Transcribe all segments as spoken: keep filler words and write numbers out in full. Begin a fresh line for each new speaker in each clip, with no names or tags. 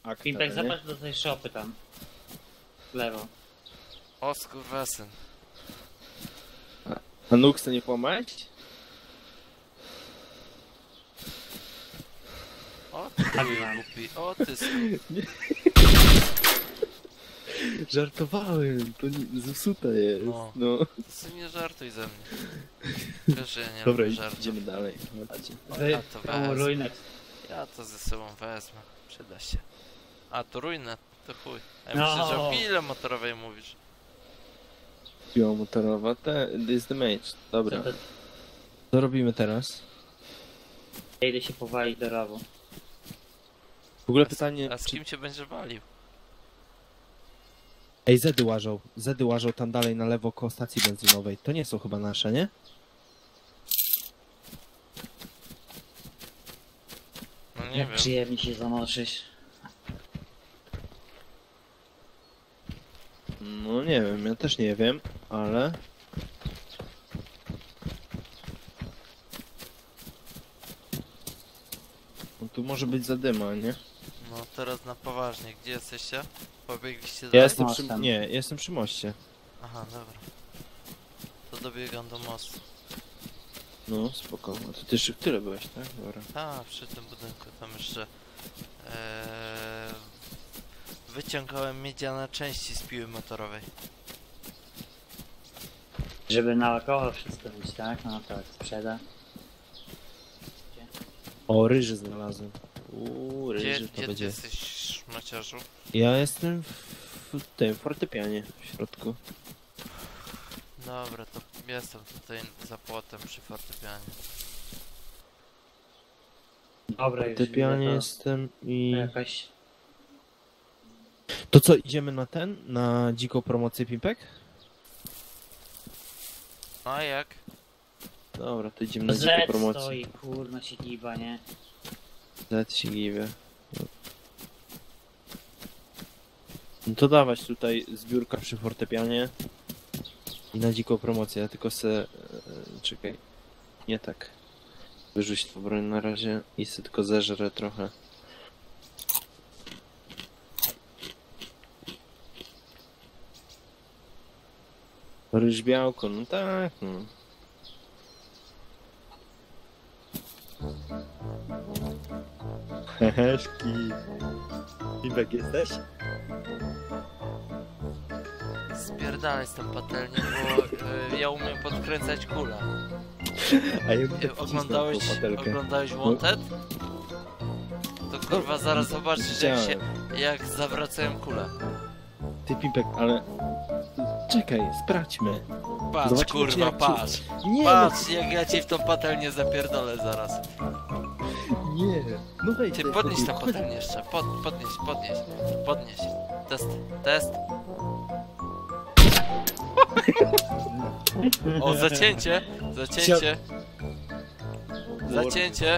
akta,
Pimpek,
nie?
zapatrz do tej szopy tam. W lewo.
O skurwesyn.
A nóg chce nie połamać?
O ty
Tak,
głupi, o ty skur...
Żartowałem, to nie, zepsute jest.
No.
No.
Ty sobie nie żartuj ze mnie. Wiesz, że ja nie
Dobra,
lubię żartów.
idziemy dalej. Chodźcie.
Wy,
A to
tą
wezmę.
ruinę.
Ja to ze sobą wezmę. Przyda się. A to ruinę, to chuj. A ja
No.
myślę, że o pile motorowej mówisz.
Piła motorowa, te, this the mage. Dobra,
Co to-
co robimy teraz?
Ja idę się powalić do rowu.
W ogóle
A z-
pytanie,
A z
czy...
kim cię będzie walił?
Ej, Zedy łażą. Zedy łażą tam dalej na lewo koło stacji benzynowej. To nie są chyba nasze, nie?
No nie
Jak
wiem.
przyjemnie się zamoczyć.
No nie wiem, ja też nie wiem, ale... No tu może być zadyma, nie?
No teraz na poważnie, gdzie jesteście? Pobiegliście
Ja
dalej?
jestem przy...
mostem.
Nie, jestem przy moście.
Aha, dobra. To dobiegam do mostu.
No, spoko. A ty też tyle byłeś, tak? Dobra.
A, przy tym budynku tam jeszcze... Eee, wyciągałem miedziane części z piły motorowej.
Żeby naokoło wszystko być, tak? No tak, sprzeda.
O, ryży znalazłem. Uuu,
Gdzie,
ryży to
gdzie ty
będzie.
jesteś, szmaciarzu?
Ja jestem w, w tym fortepianie w środku.
Dobra, to jestem tutaj za płotem przy fortepianie.
Dobra,
W
już
fortepianie
widzę, to-
jestem i...
to jakaś...
To co, idziemy na ten? Na dziką promocję Pimpek?
No a jak?
Dobra, to idziemy na dziką
Z
promocję.
stoi, kurna się giba, nie?
Z się giwie. No to dawać tutaj zbiórka przy fortepianie i na dziką promocję, ja tylko se... e, czekaj, nie tak. Wyrzuć tą broń na razie i se tylko zeżrę trochę. Ryż białko, no tak, no. Heheszki. Pimpek jesteś?
Spierdalaj z tą patelnią, bo y, ja umiem podkręcać kulę.
A ja
Y, oglądałeś, oglądałeś Wanted? To kurwa zaraz zobaczysz jak się, jak zawracają kulę.
Ty Pimpek, ale... Czekaj, sprawdźmy.
Patrz
Zobaczmy, czy
kurwa,
jak ci-
patrz.
Nie,
Patrz jak ja ci w tą patelnię zapierdolę zaraz.
no, nie. No wejdź.
Ty
tutaj,
podnieś
chodź.
tą patelnię jeszcze, pod, podnieś, podnieś, podnieś. Test, test. O, zacięcie, zacięcie, zacięcie.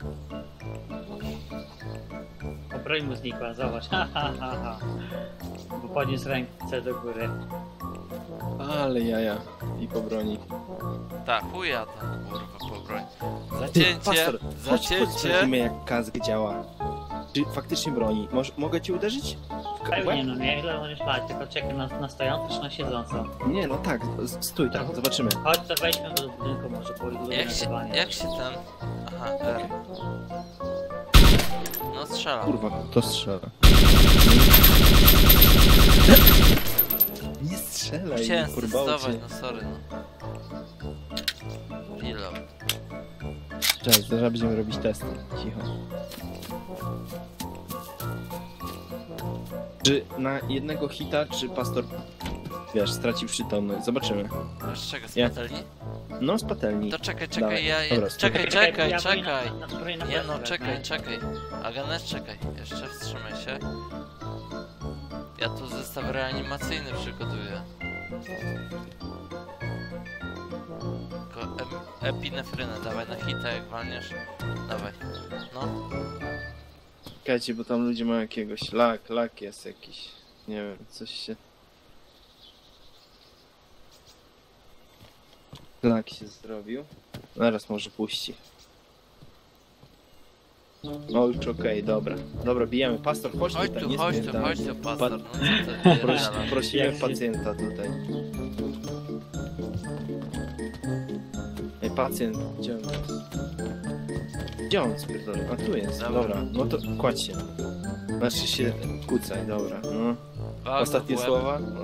O, broń mu znikła, zobacz. Ha, ha, ha, ha. Bo podniósł ręce do góry.
Ale jaja. I po broni.
Tak, chuja tam, kurwa, po broń.
Ty,
Zacięcie,
pastor, chodź, chodź,
zacięcie.
sprawdzimy jak kask działa. Czy faktycznie broni? Moż, mogę ci uderzyć? W ka-
Pewnie,
łeb?
no nie, ile możesz spać, tylko czekaj na, na stojącą czy na siedzącą.
Nie, no tak, s- stój tam, zobaczymy.
Chodź, to wejdźmy do budynku może, bo lubię
Jak się,
nagrywanie.
jak się ten... Aha, R. No strzelam.
Kurwa, to strzela. Nie strzelaj,
Chciałem
kurwa,
zdecydować, no sorry, no. Reload.
Cześć, zaraz będziemy robić testy. Cicho. Czy na jednego hita, czy pastor, wiesz, straci przytomność? Zobaczymy.
Masz czego z
Ja-
patelni?
No, z patelni.
To czekaj, czekaj,
Dawaj.
ja... ja
Dobra,
czekaj,
spokojnie.
czekaj,
ja
czekaj.
Na, na, na, na
Nie no,
plecy
czekaj,
wezmę.
czekaj. Aganes, czekaj. Jeszcze wstrzymaj się. Ja tu zestaw reanimacyjny przygotuję. Tylko em, epinefrynę dawaj na hita jak walniesz. Dawaj. No.
Czekajcie, bo tam ludzie mają jakiegoś lak, lak jest jakiś. Nie wiem, coś się... Lak się zrobił. Zaraz może puści. No już okej, dobra. Dobra, bijemy. Pastor, chodź
Chodź
tutaj,
tu,
nie
chodź tu,
spierdalaj.
chodź tu, pastor, no co ty
Prosi,
pierdalasz?
prosimy
Jak się-
pacjenta tutaj. Ej, pacjent, gdzie on jest? Gdzie on spierdolę? A tu jest,
Dobra.
dobra. No to kładź się. Znaczy się kucaj, dobra. No.
Walnę
Ostatnie
w łeb.
słowa? No.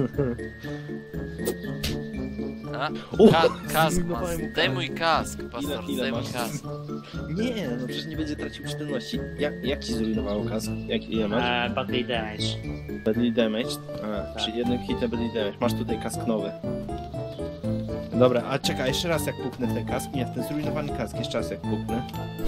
A?
O!
Ka kask,
Zrujnowałem
mas.
mu
Daj
kask.
mój kask, pastor,
Ile- ile
daj mój
masz?
kask.
Nie, no przecież nie będzie tracił przytomności. Jak, jak ci zrujnowało kask? Jak, ile masz?
E, badly damage.
Badly damage? A, przy jednym hitem badly damage. Masz tutaj kask nowy. Dobra, a czekaj, jeszcze raz jak puknę w ten kask. Nie, w ten zrujnowany kask, jeszcze raz jak puknę.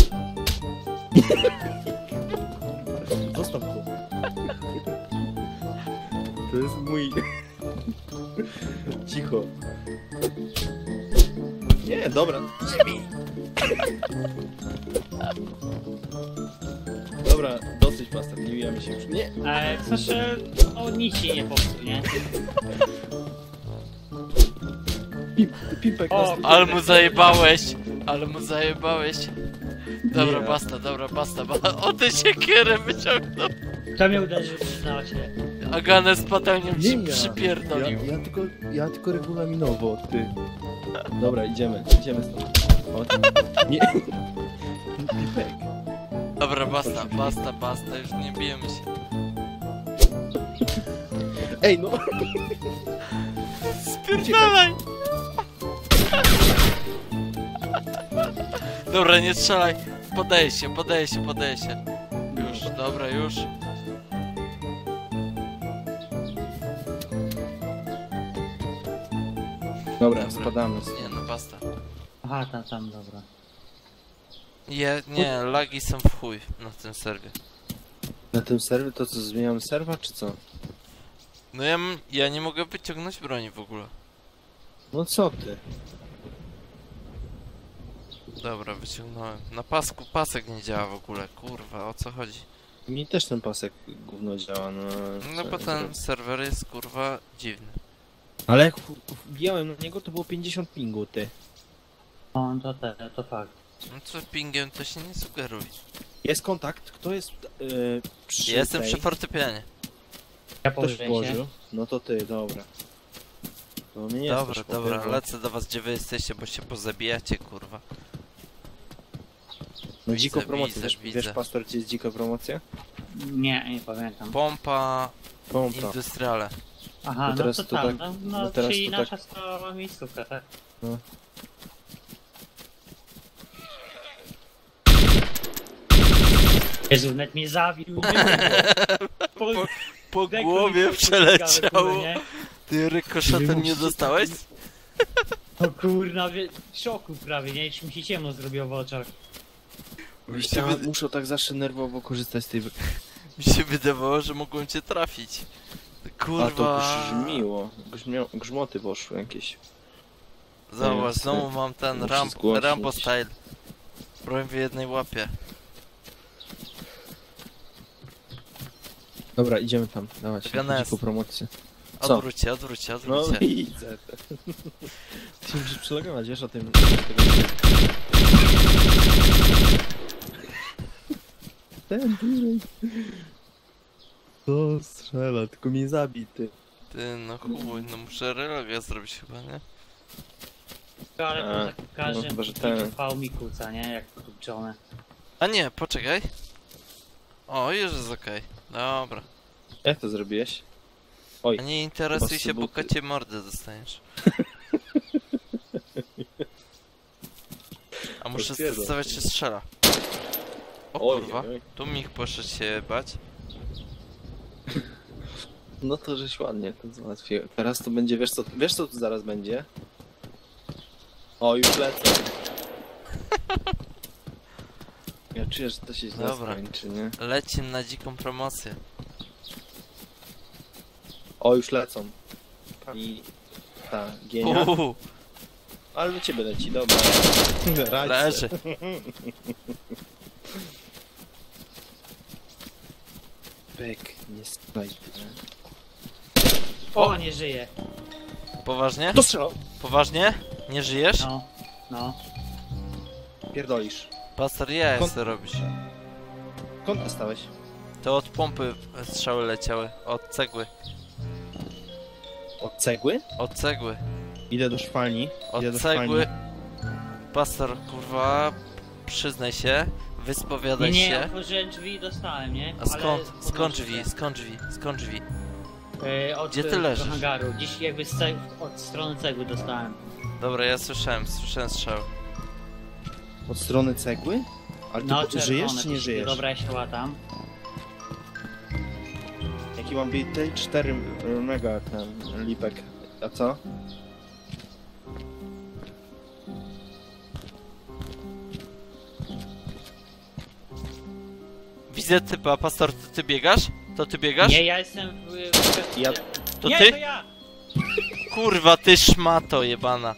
Zostaw go. To jest mój... Cicho. Nie, dobra. Ziemi. Dobra, dosyć pastor, nie bijamy się już. Nie.
E, w sensie, o nic się nie popsuł, nie?
Pip, pipek
O,
nas-
Ale mu zajebałeś, ale mu zajebałeś. Dobra,
Nie.
basta, dobra, basta, ba o tę siekierę wyciągnął.
Kto mnie uderzył, przyznał się.
Aganę z patelnią ci
Nie ja.
przypierdolił.
Ja, ja, tylko, ja tylko regulaminowo, ty. Dobra, idziemy, idziemy stąd. O, nie. Pipek.
Dobra, basta, basta, basta, już nie bijemy się.
Ej, no.
Spierdalaj! Dobra, nie strzelaj. Podaję się, podaję się, podaję się. Już, dobra, już.
Dobra,
Dobra.
spadamy.
Nie, no basta.
Aha, tam, tam, dobra.
Je, nie, lagi są w chuj na tym serwie.
Na tym serwie to co, zmieniamy serwa, czy co?
No ja, m- ja nie mogę wyciągnąć broni w ogóle.
No co ty?
Dobra, wyciągnąłem. Na pasku pasek nie działa w ogóle, kurwa, o co chodzi?
Mi też ten pasek gówno działa, no...
No
co
bo
ja
ten
zrobię?
serwer jest kurwa dziwny.
Ale jak wbijałem na niego, to było pięćdziesiąt pingu, ty.
No, to te, to fakt.
No co pingiem to się nie sugeruje.
Jest kontakt, kto jest yy, przy
Ja jestem
tej...
przy fortepianie.
Ja
Ktoś
położę się.
włożył? No to ty, dobra. To mnie nie
Dobra,
znasz,
dobra,
chłopie, bo-
lecę do was gdzie wy jesteście, bo się pozabijacie kurwa.
No dziko
Widzę,
promocję,
widzę,
wiesz,
widzę.
wiesz pastor, gdzie jest dziko promocja?
Nie, nie pamiętam.
Pompa
Pompa.
industriale.
Aha,
No
no
teraz
to
to
tam,
tak-
no,
no
no,
teraz
czyli
to
nasza stała miejscówka, tak?
No.
Jezu, net mnie zawił. Po,
Po
dekor
głowie
mi
przeleciało.
nie?
Ty rykoszetem nie dostałeś?
O kurna, wie, w szoku prawie, nie? Już mi się ciemno zrobiło w oczach.
Ja muszę tak zawsze nerwowo korzystać z tej...
Mi się wydawało, że mogłem cię trafić. Kurwa.
A to grzmiło. Grzmio... Grzmoty poszły jakieś.
Zobacz,
Nie,
znowu
ty-
mam ten
muszę
Ram
zgłosić.
Rambo style. Broń w jednej łapie.
Dobra, idziemy tam, dawać
Ganes.
dziko promocję. Co?
Odwróćcie, odwróćcie,
No
odwróćcie.
widzę. Ty musisz przylogować, wiesz o tym. Ten bliżej. To strzela, tylko mnie zabity.
Ty, no chuj, no muszę reloga zrobić chyba, nie?
Ale
A,
to tak każdy
no chyba, że ten.
trwał mi kuca, nie? Jak kurczone.
A nie, poczekaj. O, już jest okej. Dobra.
Jak to zrobiłeś? Oj,
A nie interesuj
Chyba
się, bo
subuty.
kocie mordę dostaniesz. A muszę
Potwierdzam.
zdecydować, czy strzela. O
oj,
kurwa,
oj.
tu Mich poszedł się bać.
No to żeś ładnie to załatwił. Teraz to będzie, wiesz co, wiesz co tu zaraz będzie? O, już lecę. Ja czuję, że to się źle
Dobra.
skończy, nie?
Lecimy na dziką promocję.
O, już lecą. I ta gienia.
Uuu,
Ale do ciebie leci, dobra. Radź
leży.
se. Bek, nie snajpy.
O, nie żyje.
Poważnie?
To strzelał!
Poważnie? Nie żyjesz?
No, no.
Pierdolisz.
Pastor, ja
Kon-
co robisz?
Skąd dostałeś?
To od pompy strzały leciały, od cegły.
Od cegły?
Od cegły.
Idę do szwalni.
Od
Idę do
cegły.
szwalni.
Pastor, kurwa, przyznaj się,
Nie,
wyspowiadaj
nie,
się.
otworzyłem drzwi i dostałem, nie?
A skąd?
Ale
Skąd
podnoszę
drzwi?
się.
Skąd drzwi? Skąd drzwi?
E, od,
Gdzie ty
e,
leżysz?
do hangaru. Dziś jakby z ceg od strony cegły dostałem.
Dobra, ja słyszałem, słyszałem strzał.
Od strony cegły? Ale ty
No,
po- żyjesz czy nie
to
żyjesz?
Dobra, ja się łatam.
Jaki mam bity? cztery mega ten lipek. A co?
Widzę typa, pastor, to ty biegasz? To ty biegasz?
Nie, ja jestem w... w...
Ja...
To
nie,
ty?
to ja!
Kurwa, ty szmato jebana.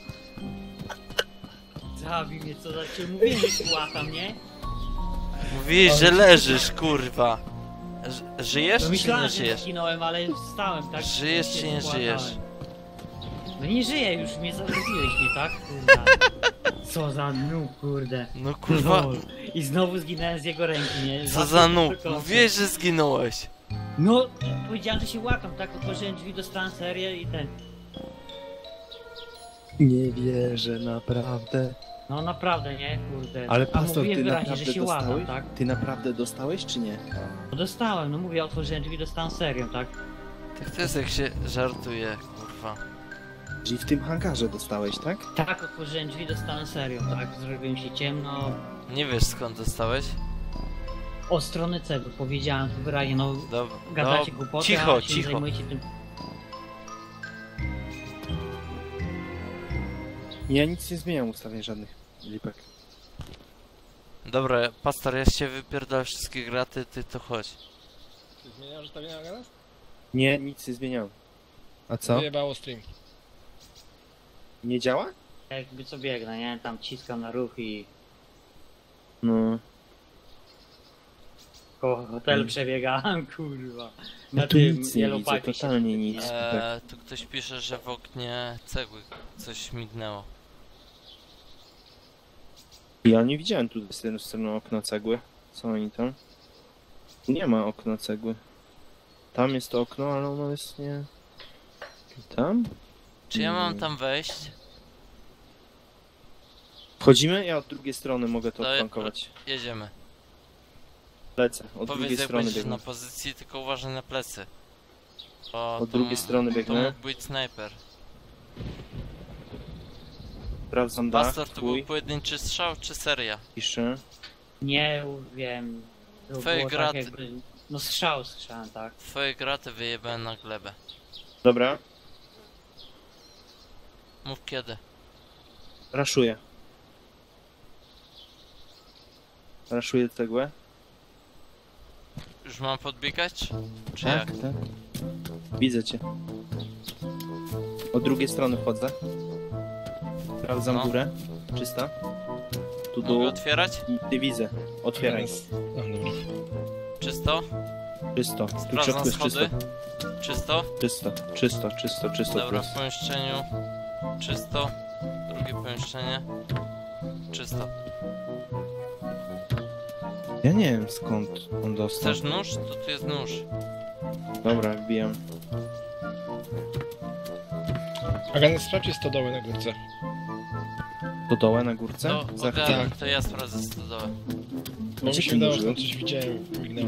Zabij mnie, co za cię mówię, że się łatam, nie?
Mówiłeś, że leżysz, kurwa. Ż- żyjesz
No
czy nie
myślałem, że
żyjesz?
zginąłem, ale wstałem, tak?
Żyjesz
Się
czy nie
spłakałem.
żyjesz?
No nie żyję, już mnie zagroziłeś mnie, tak? Kurwa. Co za noob, kurde.
No kurwa,
Lol. I znowu zginąłem z jego ręki, nie?
co za noob.
tylko-
Mówiłeś, że zginąłeś.
No, powiedziałem, że się łatam, tak? Otworzyłem drzwi, dostałem serię i ten...
Nie wierzę, naprawdę.
No naprawdę, nie? Kurde.
Ale
A
pastor,
mówiłem
ty
wyraźnie,
naprawdę
że się łatam,
dostałeś?
tak?
Ty naprawdę dostałeś czy nie?
No dostałem, no mówię, otworzyłem drzwi, dostałem serię, tak?
Tak to jest jak się żartuje, kurwa.
Czyli w tym hangarze dostałeś, tak?
Tak, otworzyłem drzwi, dostałem serią, tak? Zrobiłem się ciemno.
Nie wiesz skąd dostałeś?
O strony cegły, powiedziałem to wyraźnie, no...
Dobra,
Gadacie
no,
głupoty,
cicho,
a się nie
cicho.
zajmujecie tym...
Ja nic nie zmieniam ustawień żadnych, lipek.
Dobra, pastor, ja się wypierdolę wszystkie graty, ty to chodź.
Ty zmieniasz ustawienia teraz?
Nie, nic nie zmieniam. A co?
Wyjebało stream.
Nie działa?
Jakby co biegnę, nie? Tam ciskam na ruch i...
No.
Koło hotelu przebiegałem, kurwa.
No
Na
tu
tym
nic nie
Yellow
widzę,
Pipe się
totalnie
świetnie.
nic.
Eee, tu ktoś pisze, że w oknie cegły coś mignęło.
Ja nie widziałem tu z tej strony okna cegły. Co oni tam? Tu nie ma okna cegły. Tam jest to okno, ale ono jest nie... Tam?
Czy ja mam
Mm.
tam wejść?
Wchodzimy? Ja od drugiej strony mogę to
To ja-
odflankować.
Jedziemy.
Lecę, od
Powiedz
drugiej
jak
strony
będziesz
biegnę.
na pozycji, tylko uważaj na plecy. Bo
Od
to
drugiej
m-
strony
To
biegnę.
mógł być snajper.
Sprawdzam dach,
Pastor, to był
twój,
pojedynczy strzał czy seria?
piszę.
Nie wiem. To
Twoje
było
graty.
tak jakby... No strzał słyszałem, tak?
Twoje graty wyjebałem na glebę.
Dobra,
Mów kiedy.
raszuję. Raszuję cegłę.
Już mam podbiegać? Czy, czy
Tak,
jak?
tak. Widzę cię. Od drugiej strony wchodzę. Sprawdzam
No.
górę. Czysta. Tu
Mogę
dół.
otwierać?
I ty widzę. Otwieraj.
No, dobra.
Czysto?
Czysto. Tu w
Sprawdzam
środku jest czysto.
schody. Czysto?
Czysto, czysto, czysto, czysto.
Dobra,
tu
w
jest.
pomieszczeniu czysto. Drugie pomieszczenie czysto.
Ja nie wiem skąd on dostał.
Chcesz nóż? To tu jest nóż.
Dobra, wbijam.
Agan, sprawdź czy stodoły na górce.
Do dołu na górce?
To,
Za
ogarnę,
chwilę.
to ja sprawdzę stodołę.
Bo mi
Gdzie
się
ty
wydało, że
użył?
tam coś widziałem, mignęło.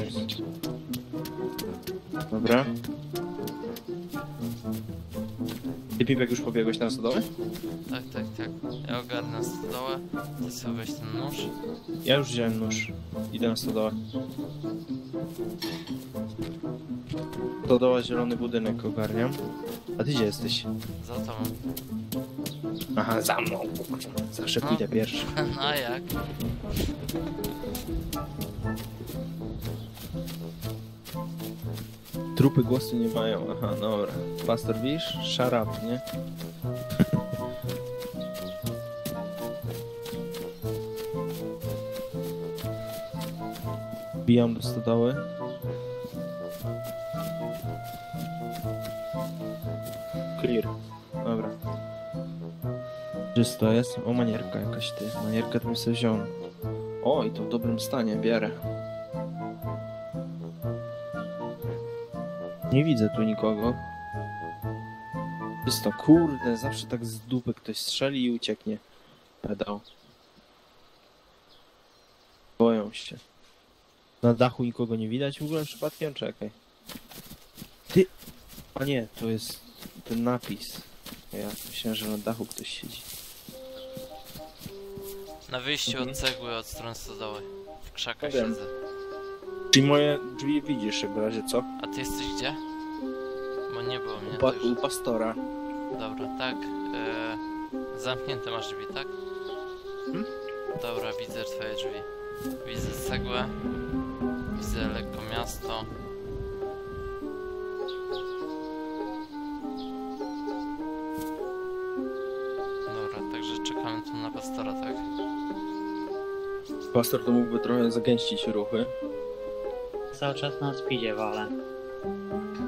Dobra. Ty Pipek już pobiegłeś na stodołę?
Tak, tak, tak. Ja ogarnę stodołę. Ty sobie weź ten nóż.
Ja już wziąłem nóż. Idę na stodołę. Stodoła, zielony budynek ogarniam. A ty gdzie jesteś?
Za tobą.
Aha, za mną. Zawsze
No.
pójdę pierwszy.
No a jak?
Trupy głosu nie mają. Aha, dobra. Pastor, widzisz? Shut up, nie? Bijam do stodoły. Clear. Dobra. Czysto jest. O, manierka jakaś ty. Manierkę to bym sobie wziął. O, i to w dobrym stanie, bierę. Nie widzę tu nikogo. Jest to kurde, zawsze tak z dupy ktoś strzeli i ucieknie. Pedał. Boją się. Na dachu nikogo nie widać w ogóle przypadkiem? Czekaj. Ty! A nie, to jest ten napis. Ja myślałem, że na dachu ktoś siedzi.
Na wyjściu
Mhm.
od cegły, od strony stodoły. W krzakach
Wiem.
siedzę.
Czyli moje drzwi widzisz w razie co?
A ty jesteś gdzie? Bo nie było mnie.
U, pa
to już...
u pastora.
Dobra, tak. E... Zamknięte masz drzwi, tak?
Hmm?
Dobra, widzę twoje drzwi. Widzę cegłę. Widzę lekko miasto. Dobra, także czekamy tu na pastora, tak?
Pastor to mógłby trochę zagęścić ruchy.
Cały czas na speedzie walę.